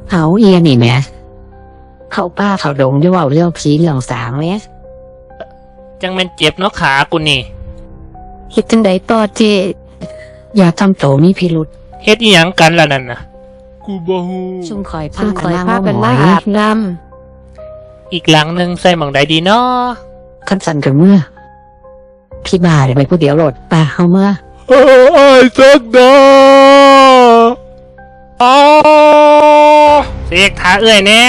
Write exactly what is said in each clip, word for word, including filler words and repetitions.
เขาเอียนี่แหม่เขาป้าเขาดงจะว่าเรื่องผีเรื่องสางไหมจังแม่นเจ็บเนาะขากูนี่คิดจังใดต่อเจอย่าทำโตมีพิรุษเฮ็ดอีหยังกันล่ะนั่นน่ะกูบ่ฮู้ซุ่มคอยพากันมาอาบน้ำอีกหลังหนึ่งใส่หม่องใดดีเนาะขั้นสันกับเมื่อพี่บาเดี๋ยวไปผู้เดียวโหลดป่าเข้าเมื่อเออไอ้สักดาอ๋อเสกทาเอื้อยแน่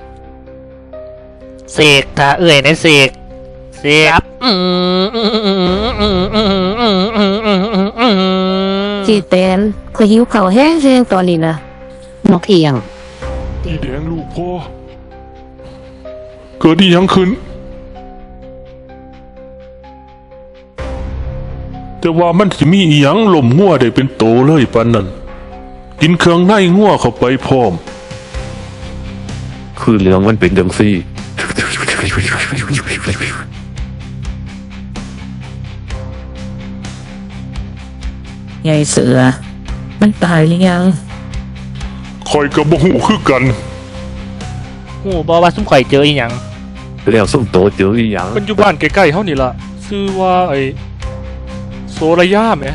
เสกทาเอื้อยแน่เสกเสกจีเต้นคือหิวเข่าแห้งเสียงตอนนี้นะนกเอียงอีแดงลูกพ่อเกิดอีหยังขึ้นแต่ว่ามันสิมีอีหยังหล่มงัวได้เป็นโตเลยปานนั้นกินเครื่องในงัวเข้าไปพร้อมคือเรื่องมันเป็นจังซี่ยายเสือมันตายหรือยังคอยกับบ่ฮู้คือกันฮู้บ่ว่าซุ่มข่อยเจออีหยังแล้วซุ่มโตเจออีหยังมันอยู่บ้านใกล้ๆเฮานี่ล่ะชื่อว่าไอ้โซระยะแหม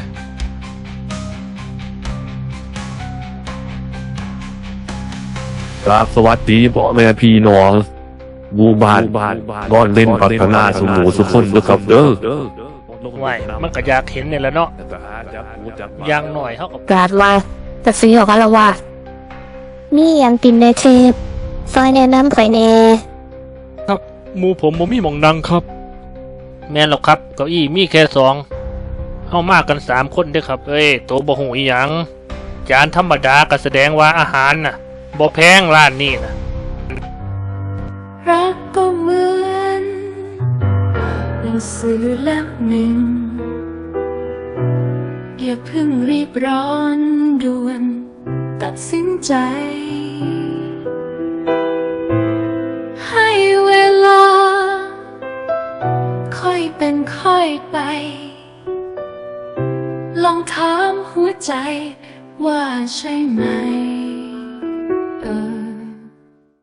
ครับสวัสดีพ่อแม่พี่น้องหมู่บ้านนอนเล่นพัฒนาสุหมูสุขคนด้วยครับเด้อไหวมันก็อยากเห็นนี่แหละเนาะอย่างหน่อยเฮาก็กาดว่าจะซื้อของกันแล้วว่านี่ยังตินในเทปซอยแนะนำไปแน่ครับหมู่ผมบ่มีหม่องนั่งครับแม่นหรอกครับเก้าอี้มีแค่สองเฮามากันสามคนเด้อครับเอ้ยโตบ่ฮู้อีหยังจานธรรมดาก็แสดงว่าอาหารน่ะบ่แพงร้านนี้น่ะรักก็เหมือนหนังสือเล่มหนึ่งอย่าเพิ่งรีบร้อนด่วนตัดสินใจให้เวลาค่อยเป็นค่อยไปลองถามหัวใจว่าใช่ไหม